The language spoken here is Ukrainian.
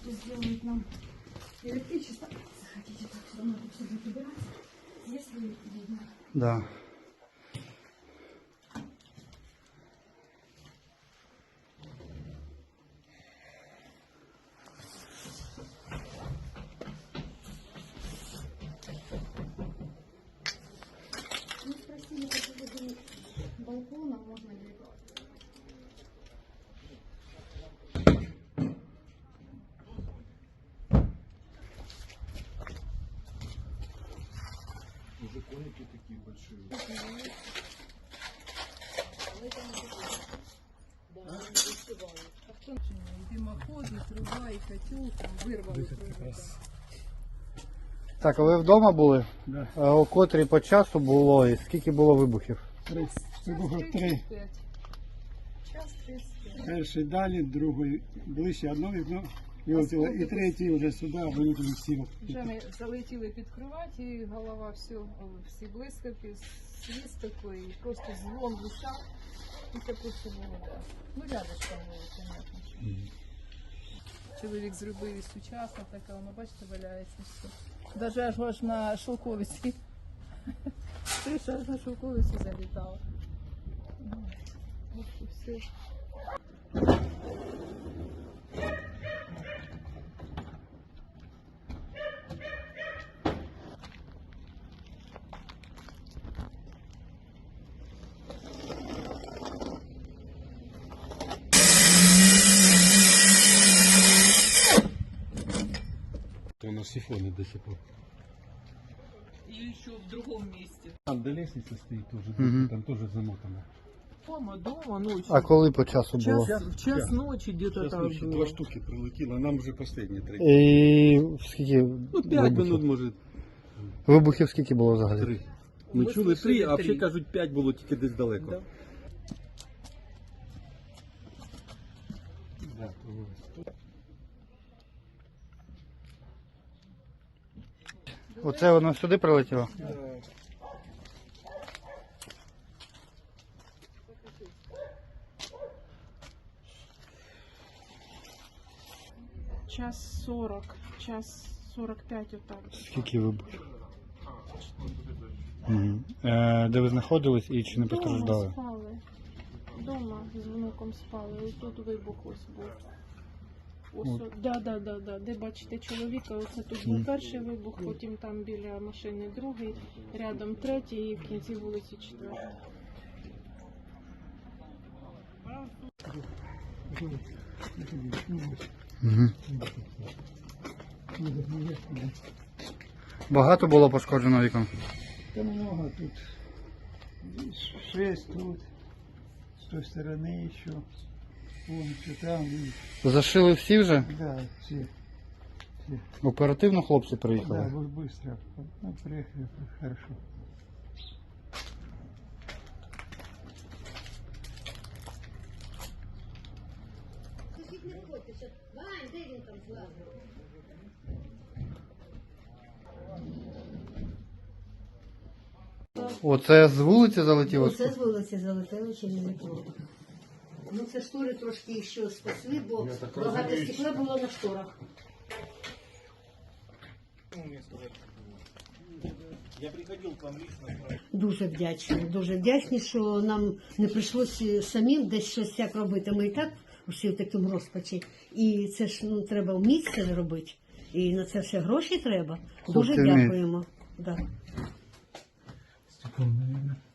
что сделают нам электричество. Захотите, так все равно тут все будет убираться. Если видно. Да. Мы спросили по поводу балкона, можно ли его. Уже коники такие большие. Дымоходы, труба и котел там вырвало. Так, а ви вдома були? Да. А о котрій по часу було і скільки було вибухів? 30. Вибухів 3. Час 35. Перший далі, другий ближче, одно вікно вилетіло, і третій вже сюди, вилетіли всі. Вже ми залетіли під кровать, і голова всі блискавки, свіст такий, просто дзвон висав, і таке все було. Да. Ну, рядышком було, понятно. Чоловік зробив і сучасна така, воно, бачите, валяється все. Даже аж на шовковиці. Криша аж на шовковиці залітала. Ось і все. То на сифоне до сих пор. И еще в другом месте. Там до лестницы стоит тоже, Мгм. там тоже замотано. Дома ночью. А коли по часу було? В час ночи где-то Сейчас там ночью было. 2 штуки прилетело, нам уже последние 3. І скільки Ну 5 вибухів? минут, может, Вибухів скільки було взагалі? 3. Ми Ми чули 3, слышали а взагалі 3. кажуть 5 було тільки десь далеко. Да. Да, Оце воно сюди прилетіло? Час 40, час 45 отак. Скільки вибухів? Мгм. Де ви знаходились і чи не Дома постраждали? спали. Дома з внуком спали. І тут вибух ось був. Ось, да. Де бачите чоловіка, оце тут був перший вибух, потім там біля машини другий, рядом третій і в кінці вулиці четвертий. Угу. Багато було пошкоджено вікон? Та много тут. 6 тут. С той стороны еще. Вон еще там. Зашили всі вже? Да, все. Оперативно хлопці Да, приїхали? быстро. Ну, приехали, хорошо. Оце з вулиці залетіло? Оце з вулиці залетіло чи не було. Ну це штори трошки ще спасли, бо багато стекла було на шторах. Я приходил к вам лично. Дуже вдячні, що нам не прийшлося самим десь щось як робити. Ми і так усі в такому розпачі. І це ж треба вміти це робити. І на це ще гроші треба. Дуже Хлопці вміють. дякуємо. Да. Стеклом, наверное.